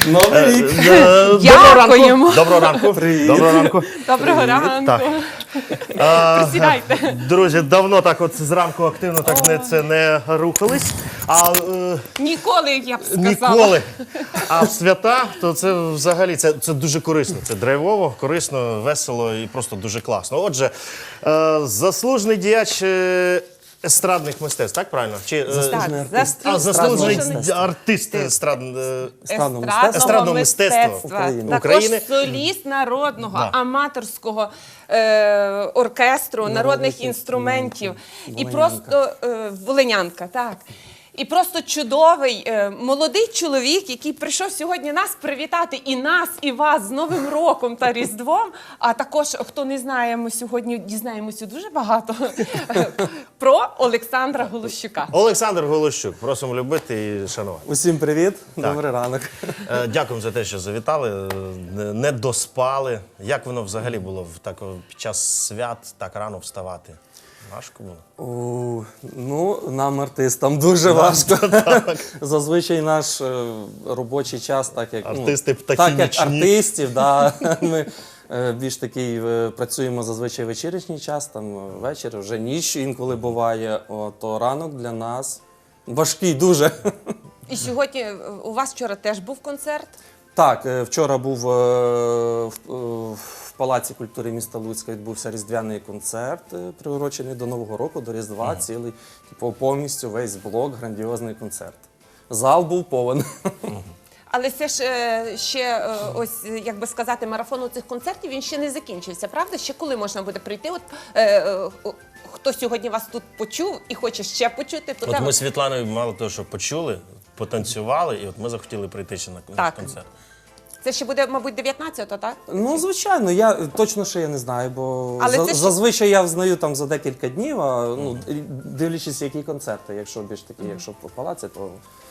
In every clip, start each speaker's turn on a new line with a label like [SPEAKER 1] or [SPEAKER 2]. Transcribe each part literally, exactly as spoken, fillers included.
[SPEAKER 1] Новий рік.
[SPEAKER 2] Дякуємо.
[SPEAKER 3] Доброго ранку. Доброго ранку.
[SPEAKER 2] Доброго ранку.
[SPEAKER 3] Так.
[SPEAKER 2] Присідайте.
[SPEAKER 3] Друзі, давно так от зранку активно так не, це не рухались. А е,
[SPEAKER 2] Ніколи, я б сказала.
[SPEAKER 3] ніколи. А в свята, то це взагалі це, це дуже корисно. Це драйвово, корисно, весело і просто дуже класно. Отже, е, заслужений діяч е, естрадних мистецтв, так правильно? Чи, е,
[SPEAKER 1] Заслужений
[SPEAKER 2] Так,
[SPEAKER 1] артист.
[SPEAKER 3] а, заслужений
[SPEAKER 1] Естрадного
[SPEAKER 3] артист естрад, е,
[SPEAKER 1] Естрадного мистецтва.
[SPEAKER 3] Естрадного мистецтва
[SPEAKER 1] України.
[SPEAKER 2] Також
[SPEAKER 3] України.
[SPEAKER 2] соліст народного,
[SPEAKER 3] Да.
[SPEAKER 2] аматорського е, оркестру, народних інструментів. І просто е, волинянка, так. І просто чудовий, е, молодий чоловік, який прийшов сьогодні нас привітати і нас, і вас з Новим роком та Різдвом. А також, хто не знає, ми сьогодні дізнаємося дуже багато про Олександра Голощука.
[SPEAKER 3] Олександр Голощук. Просимо любити і шанувати.
[SPEAKER 1] Усім привіт, добрий ранок.
[SPEAKER 3] Е, Дякуємо за те, що завітали, е, не доспали. Як воно взагалі було в так, під час свят так рано вставати? Важко було?
[SPEAKER 1] О, ну, нам, артистам, дуже важко. Зазвичай наш е, робочий час, так як, ну,
[SPEAKER 3] Артисти птахи
[SPEAKER 1] так як
[SPEAKER 3] нічні.
[SPEAKER 1] артистів, да, ми е, більш такий е, працюємо зазвичай вечірній час, там е, вечір, вже ніч інколи буває, о, то ранок для нас важкий дуже.
[SPEAKER 2] І сьогодні е, у вас вчора теж був концерт.
[SPEAKER 1] Так, е, вчора був е, в, е, в Палаці культури міста Луцька відбувся різдвяний концерт, е, приурочений до Нового року, до Різдва, mm. цілий, типу, повністю весь блок, грандіозний концерт. Зал був повен. Mm.
[SPEAKER 2] Але це ж е, ще, е, ось, як би сказати, марафон цих концертів, він ще не закінчився, правда? Ще коли можна буде прийти? От, е, е, хто сьогодні вас тут почув і хоче ще почути, то
[SPEAKER 3] От
[SPEAKER 2] там...
[SPEAKER 3] ми з Світланою мало того, що почули, потанцювали, і от ми захотіли прийти ще на на
[SPEAKER 2] Так.
[SPEAKER 3] концерт.
[SPEAKER 2] Це ще буде, мабуть, дев'ятнадцятого, так?
[SPEAKER 1] Ну, звичайно, я точно ще я не знаю, бо
[SPEAKER 2] Але
[SPEAKER 1] за,
[SPEAKER 2] це ж-
[SPEAKER 1] зазвичай я взнаю там за декілька днів, а, ну, дивлячись, які концерти. Якщо більш такі, якщо по палаці, то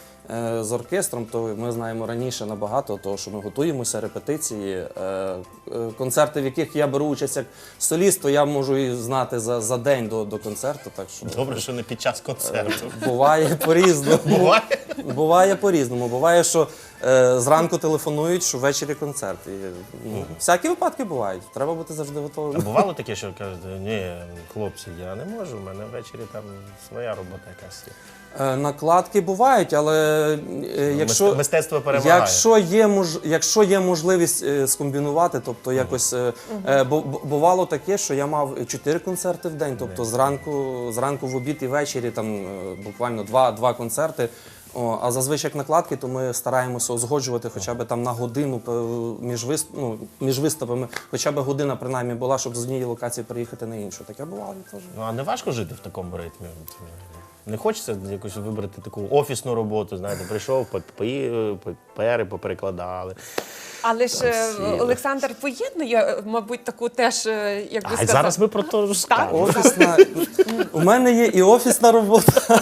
[SPEAKER 1] е, з оркестром, то ми знаємо раніше набагато, того, що ми готуємося, репетиції. Е, е, концерти, в яких я беру участь як соліст, то я можу і знати за, за день до, до концерту. Так що
[SPEAKER 3] Добре, що не під час концерту.
[SPEAKER 1] буває по-різному.
[SPEAKER 3] Буває?
[SPEAKER 1] Буває по-різному. Буває, що е, зранку телефонують, що ввечері концерт. І, ну, всякі випадки бувають. Треба бути завжди
[SPEAKER 3] А
[SPEAKER 1] готовим.
[SPEAKER 3] бувало таке, що кажуть, ні, хлопці, я не можу, в мене ввечері там своя робота якась є.
[SPEAKER 1] Е, накладки бувають, але е, якщо,
[SPEAKER 3] Мистецтво перемагає.
[SPEAKER 1] якщо, є, мож, якщо є можливість е, скомбінувати, тобто якось е, е, бу- бу- бувало таке, що я мав чотири концерти в день, тобто зранку, зранку в обід і ввечері там е, буквально два, два концерти. О, а зазвичай як накладки, то ми стараємося узгоджувати хоча б там на годину е, між, вист... ну, між виступами, хоча б година принаймні була, щоб з однієї локації переїхати на іншу. Таке бувало теж.
[SPEAKER 3] Ну, а не важко жити в такому ритмі? От, не хочеться якось вибрати таку офісну роботу, знаєте, прийшов, папери поперекладали.
[SPEAKER 2] Але ж е,
[SPEAKER 3] сіли.
[SPEAKER 2] Олександр поєднує, е, мабуть, таку теж, е, як би
[SPEAKER 3] А
[SPEAKER 2] сказати...
[SPEAKER 3] зараз ми про те розкажемо.
[SPEAKER 1] Офісна. У мене є і офісна робота,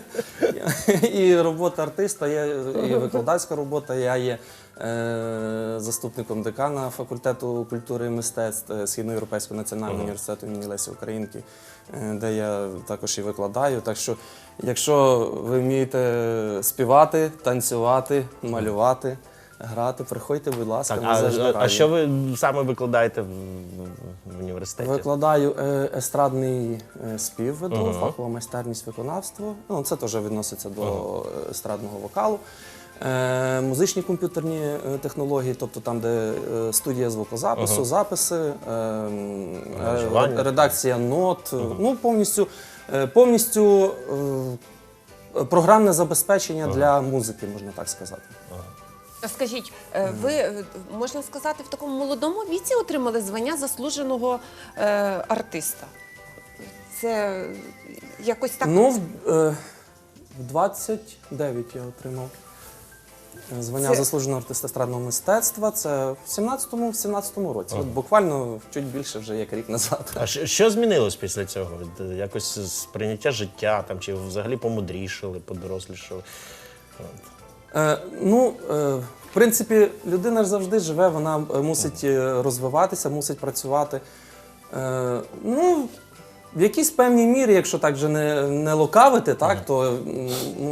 [SPEAKER 1] і робота артиста, є і викладацька робота. Я є е, заступником декана факультету культури і мистецтв е, Східноєвропейського національного університету імені Лесі Українки, е, де я також і викладаю. Так що, якщо ви вмієте співати, танцювати, малювати, грати, приходьте, будь ласка,
[SPEAKER 3] Так,
[SPEAKER 1] ми
[SPEAKER 3] а,
[SPEAKER 1] завжди
[SPEAKER 3] а
[SPEAKER 1] раді.
[SPEAKER 3] що ви саме викладаєте в, в, в університеті?
[SPEAKER 1] Викладаю е, естрадний е, спів, веду,
[SPEAKER 3] Ага.
[SPEAKER 1] фахова майстерність виконавства. Ну, це теж відноситься до е, естрадного вокалу. Е, музичні комп'ютерні е, технології, тобто там, де е, студія звукозапису,
[SPEAKER 3] Ага.
[SPEAKER 1] записи, е, м, е,
[SPEAKER 3] Аранжування.
[SPEAKER 1] редакція нот, ну повністю, е, повністю е, програмне забезпечення для музики, можна так сказати.
[SPEAKER 2] Скажіть, е, ви, е, можна сказати, в такому молодому віці отримали звання заслуженого е, артиста? Це якось так...
[SPEAKER 1] Ну, в, е, в двадцять дев'ять я отримав е, звання
[SPEAKER 2] Це-
[SPEAKER 1] заслуженого артиста естрадного мистецтва. Це в сімнадцятому, в сімнадцятому році. От буквально чуть більше вже як рік назад.
[SPEAKER 3] А що, що змінилось після цього? От, е, Якось сприйняття життя там, чи взагалі помудрішали, подорослішали? От.
[SPEAKER 1] Е, ну, е, в принципі, людина ж завжди живе, вона е, мусить е, розвиватися, мусить працювати. Е, ну, в якійсь певній мірі, якщо так вже не, не лукавити, так, то м, ну,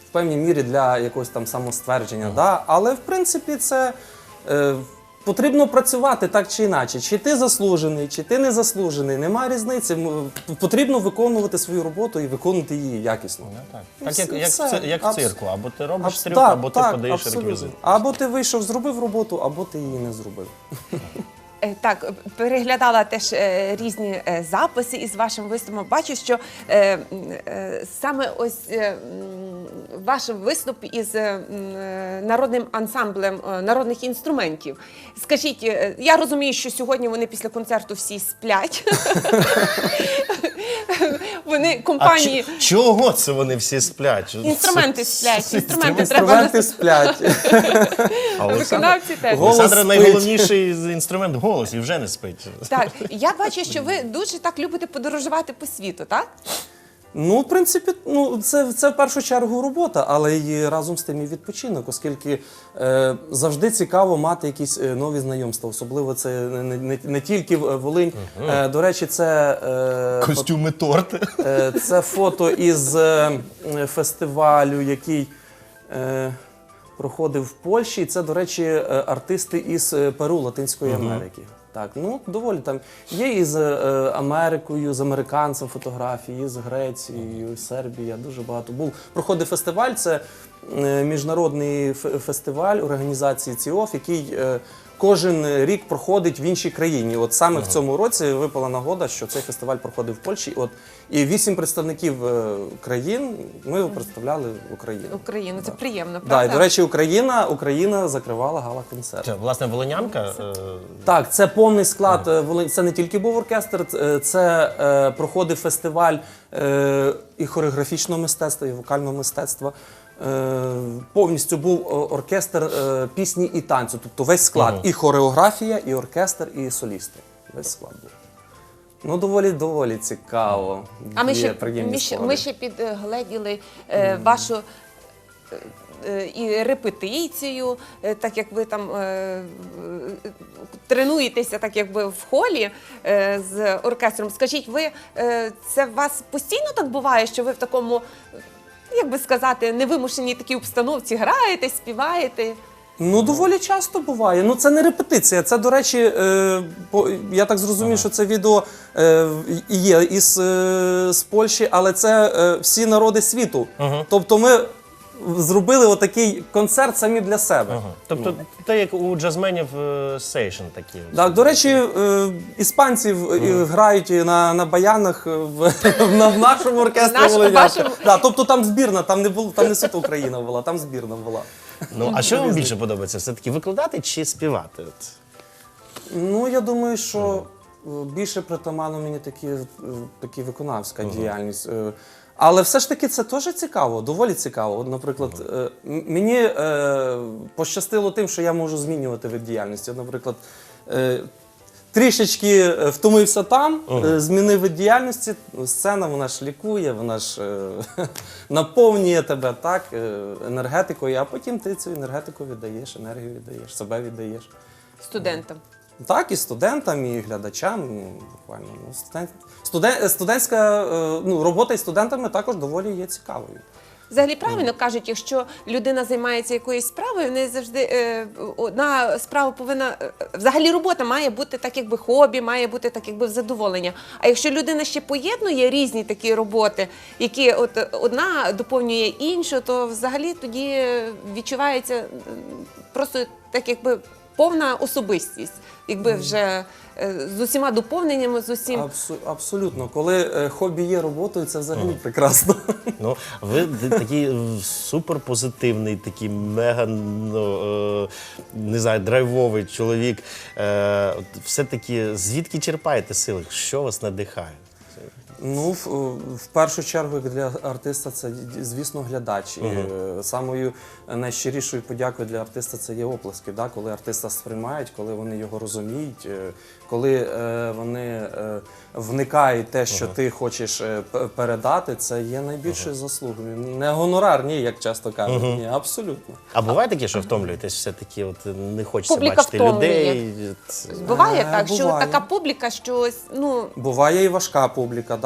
[SPEAKER 1] в певній мірі для якогось там самоствердження. Да? Але в принципі це е, потрібно працювати так чи інакше. Чи ти заслужений, чи ти не заслужений, немає різниці. М, Потрібно виконувати свою роботу і виконувати її якісно.
[SPEAKER 4] Ну, так,
[SPEAKER 1] І
[SPEAKER 4] так як,
[SPEAKER 1] все-
[SPEAKER 4] як, в
[SPEAKER 1] все.
[SPEAKER 4] ци- як в
[SPEAKER 1] Абс-
[SPEAKER 4] цирку. Або ти робиш
[SPEAKER 1] Абс-
[SPEAKER 4] трюк,
[SPEAKER 1] так,
[SPEAKER 4] або ти
[SPEAKER 1] так,
[SPEAKER 4] подаєш
[SPEAKER 1] абсолютно.
[SPEAKER 4] реквізит.
[SPEAKER 1] Або ти вийшов, зробив роботу, або ти її не зробив.
[SPEAKER 2] Е, Так, переглядала теж е, різні е, записи із вашим виступом. Бачу, що е, м, е, саме ось е, м, ваш виступ із е, м, е, народним ансамблем е, народних інструментів. Скажіть, е, я розумію, що сьогодні вони після концерту всі сплять. Вони
[SPEAKER 3] А
[SPEAKER 2] компанії.
[SPEAKER 3] ч- чого це вони всі сплять?
[SPEAKER 2] Інструменти сплять, інструменти треба
[SPEAKER 1] Інструменти сплять.
[SPEAKER 3] А Олександр,
[SPEAKER 2] виконавці теж.
[SPEAKER 1] Голос
[SPEAKER 3] Олександра
[SPEAKER 1] спить.
[SPEAKER 3] найголовніший інструмент голос і вже не спить.
[SPEAKER 2] Так, я бачу, що ви дуже так любите подорожувати по світу, так?
[SPEAKER 1] Ну, в принципі, ну це, це в першу чергу робота, але й разом з тим і відпочинок, оскільки е, завжди цікаво мати якісь е, нові знайомства. Особливо це не, не, не тільки в- Волинь. Е, до речі, це, е,
[SPEAKER 3] Костюми торти.
[SPEAKER 1] е, це фото із е, фестивалю, який е, проходив в Польщі. І це, до речі, е, артисти із е, Перу, Латинської Америки. Так, ну доволі там є і з е, Америкою, з американцем фотографії, і з Грецією, і Сербія. Дуже багато був. Проходив фестиваль. Це е, міжнародний фе- фестиваль організації ЦІОФ, який е, кожен рік проходить в іншій країні. От саме в цьому році випала нагода, що цей фестиваль проходив в Польщі. От і вісім представників е, країн ми представляли Україну.
[SPEAKER 2] Україну, це приємно,
[SPEAKER 1] Да, і,
[SPEAKER 2] правда?
[SPEAKER 1] до речі, Україна, Україна закривала гала-концерт.
[SPEAKER 3] Це, власне, волинянка. е,
[SPEAKER 1] Так, це повний склад. е, Волинь- Це не тільки був оркестр, це, це е, проходив фестиваль е, і хореографічного мистецтва, і вокального мистецтва. Е, повністю був е, оркестр е, пісні і танцю. Тобто весь склад. І хореографія, і оркестр, і солісти. Весь склад був. Ну, доволі доволі цікаво.
[SPEAKER 2] А ми
[SPEAKER 1] Є
[SPEAKER 2] ще,
[SPEAKER 1] приємні
[SPEAKER 2] ми ще,
[SPEAKER 1] спогади.
[SPEAKER 2] ми ще підгледіли е, вашу е, е, і репетицію, е, так як ви там е, е, тренуєтеся, так якби в холі е, з оркестром. Скажіть, ви е, це у вас постійно так буває, що ви в такому, як би сказати, невимушеній такій обстановці граєте, співаєте?
[SPEAKER 1] Ну, доволі часто буває. Ну, це не репетиція. Це, до речі, е, по, я так зрозумів, що це відео е, і є із е, з Польщі, але це е, всі народи світу. Тобто ми зробили отакий концерт самі для себе.
[SPEAKER 3] Ага. Тобто, те, як у джазменів е, сейшн такі.
[SPEAKER 1] Так, до речі, е, іспанці в- і грають на, на баянах в, на, в нашому оркестрі
[SPEAKER 2] Наш-
[SPEAKER 1] Волинянка.
[SPEAKER 2] вашому.
[SPEAKER 1] Да, тобто там збірна, там не було, там не суто Україна була, там збірна була.
[SPEAKER 3] Ну, а що вам більше подобається? Все-таки викладати чи співати? От.
[SPEAKER 1] Ну, я думаю, що е, більше притаманно мені такі, е, такі виконавська діяльність. Е, Але все ж таки це теж цікаво, доволі цікаво. От, наприклад, е, м- мені е, пощастило тим, що я можу змінювати вид діяльності. От, наприклад, е, трішечки е, втомився там, е, змінив вид діяльності, сцена вона ж лікує, вона ж е, наповнює тебе так, е, енергетикою, а потім ти цю енергетику віддаєш, енергію віддаєш, себе віддаєш.
[SPEAKER 2] Студентам.
[SPEAKER 1] Так, і студентам, і глядачам, ну, буквально. Ну, студент, студен, студентська е, ну, робота із студентами також доволі є цікавою.
[SPEAKER 2] Взагалі правильно кажуть, якщо людина займається якоюсь справою, в неї завжди е, одна справа повинна е, взагалі робота має бути так, якби хобі, має бути так, якби в задоволення. А якщо людина ще поєднує різні такі роботи, які от е, одна доповнює іншу, то взагалі тоді відчувається м, просто так, якби повна особистість, якби вже е, з усіма доповненнями, з усім.
[SPEAKER 1] Абсу, абсолютно. Коли е, хобі є роботою, це взагалі прекрасно.
[SPEAKER 3] Ну, ви д- такий е, суперпозитивний, такий мега, ну, е, не знаю, драйвовий чоловік. Е, от все-таки звідки черпаєте сили? Що вас надихає?
[SPEAKER 1] Ну, в, в першу чергу, як для артиста, це, звісно, глядач. І е, самою найщирішою подякою для артиста це є оплески. Да? Коли артиста сприймають, коли вони його розуміють, е, коли е, вони е, вникають в те, що ти хочеш е, п- передати, це є найбільшою заслугою. Не гонорар, ні, як часто кажуть. Ні, абсолютно.
[SPEAKER 3] А буває таке, що втомлюєтесь все-таки, от не хочеться
[SPEAKER 2] Публіка
[SPEAKER 3] бачити
[SPEAKER 2] втомлює.
[SPEAKER 3] людей? От,
[SPEAKER 2] Буває
[SPEAKER 1] Е,
[SPEAKER 2] так, що
[SPEAKER 1] буває.
[SPEAKER 2] така публіка, що ось, ну
[SPEAKER 1] Буває і важка публіка, да?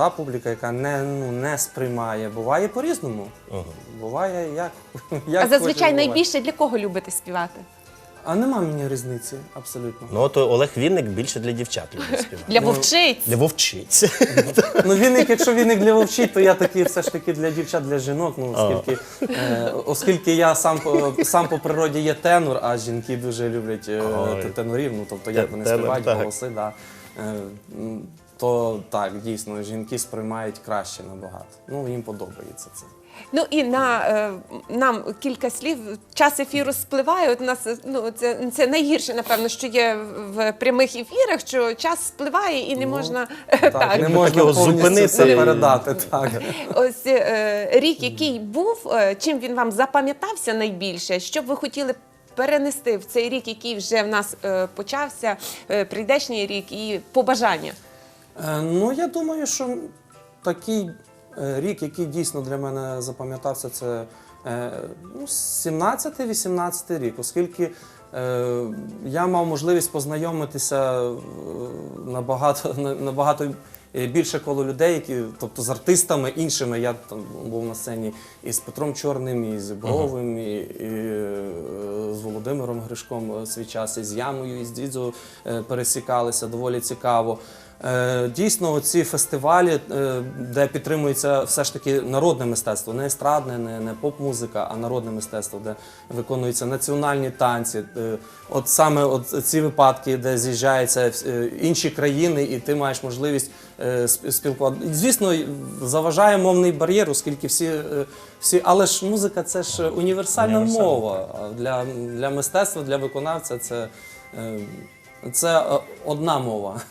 [SPEAKER 1] молода публіка, яка не, ну, не сприймає. Буває по-різному. Буває як, як
[SPEAKER 2] А зазвичай
[SPEAKER 1] хоче, буває.
[SPEAKER 2] найбільше для кого любите співати?
[SPEAKER 1] А нема мені різниці, абсолютно.
[SPEAKER 3] Ну, от Олег Вінник більше для дівчат любить співати.
[SPEAKER 2] Для вовчиць?
[SPEAKER 3] Для вовчиць.
[SPEAKER 1] Ну, віник, якщо віник для вовчить, то я такий все ж таки для дівчат, для жінок. Ну, оскільки, е, оскільки я сам, по- сам по природі є тенор, а жінки дуже люблять е,
[SPEAKER 3] Ой.
[SPEAKER 1] тенорів, ну, тобто як вони
[SPEAKER 3] Тенор,
[SPEAKER 1] співають,
[SPEAKER 3] так.
[SPEAKER 1] голоси, да. Е, м, то так, дійсно, жінки сприймають краще набагато. Ну, їм подобається це.
[SPEAKER 2] Ну і на е, нам кілька слів. Час ефіру спливає. От у нас ну це, це найгірше, напевно, що є в прямих ефірах, що час спливає і не можна
[SPEAKER 1] Так,
[SPEAKER 2] так.
[SPEAKER 1] не можна
[SPEAKER 3] його
[SPEAKER 1] повністю
[SPEAKER 3] зупинити
[SPEAKER 1] все
[SPEAKER 3] і-
[SPEAKER 1] передати. Так.
[SPEAKER 2] Ось е, рік, який був, е, чим він вам запам'ятався найбільше? Що б ви хотіли перенести в цей рік, який вже в нас е, почався, е, прийдешній рік, і побажання?
[SPEAKER 1] Е, Ну, я думаю, що такий е, рік, який дійсно для мене запам'ятався, це е, ну, сімнадцятий-вісімнадцятий рік, оскільки е, я мав можливість познайомитися е, набагато, на- набагато е, більше коло людей, які, тобто з артистами іншими. Я там був на сцені і з Петром Чорним, і з Бровим, і, і е, з Володимиром Гришком свій час, і з Ямою, і з Дідзо е, пересікалися доволі цікаво. Е, Дійсно, ці фестивалі, е, де підтримується все ж таки народне мистецтво, не естрадне, не, не поп-музика, а народне мистецтво, де виконуються національні танці. Е, От саме от ці випадки, де з'їжджаються е, інші країни, і ти маєш можливість е, сп- спілкуватися. Звісно, заважає мовний бар'єр, оскільки всі, е, всі, але ж музика це ж універсальна
[SPEAKER 3] Універсальна.
[SPEAKER 1] мова. А Для, для мистецтва, для виконавця це, е, це е, одна мова.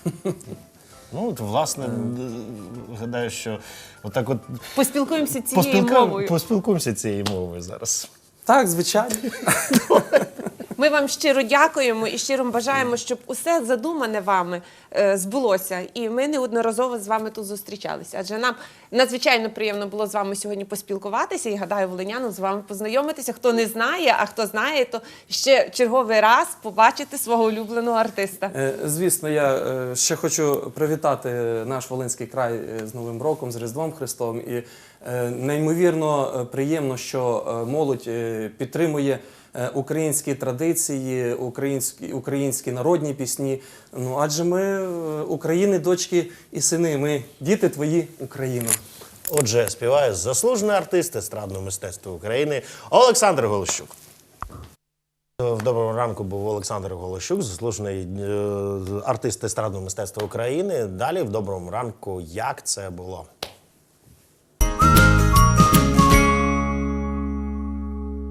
[SPEAKER 3] Ну, от, власне, гадаю, що отак от
[SPEAKER 2] Поспілкуємося цією
[SPEAKER 3] поспілкуємо-
[SPEAKER 2] мовою.
[SPEAKER 3] поспілкуємося цією мовою зараз.
[SPEAKER 1] Так, звичайно.
[SPEAKER 2] Ми вам щиро дякуємо і щиро бажаємо, щоб усе задумане вами е, збулося. І ми неодноразово з вами тут зустрічалися. Адже нам надзвичайно приємно було з вами сьогодні поспілкуватися і, гадаю, волинянам з вами познайомитися. Хто не знає, а хто знає, то ще черговий раз побачити свого улюбленого артиста.
[SPEAKER 1] Е, Звісно, я е, ще хочу привітати наш Волинський край е, з Новим роком, з Різдвом Христовим. І е, неймовірно е, приємно, що е, молодь е, підтримує е, українські традиції, українські, українські народні пісні. Ну, адже ми е, України, дочки і сини, ми діти твої, Україно.
[SPEAKER 3] Отже, співає заслужений артист естрадного мистецтва України Олександр Голощук. В доброму ранку був Олександр Голощук, заслужений е, артист естрадного мистецтва України. Далі в доброму ранку, як це було.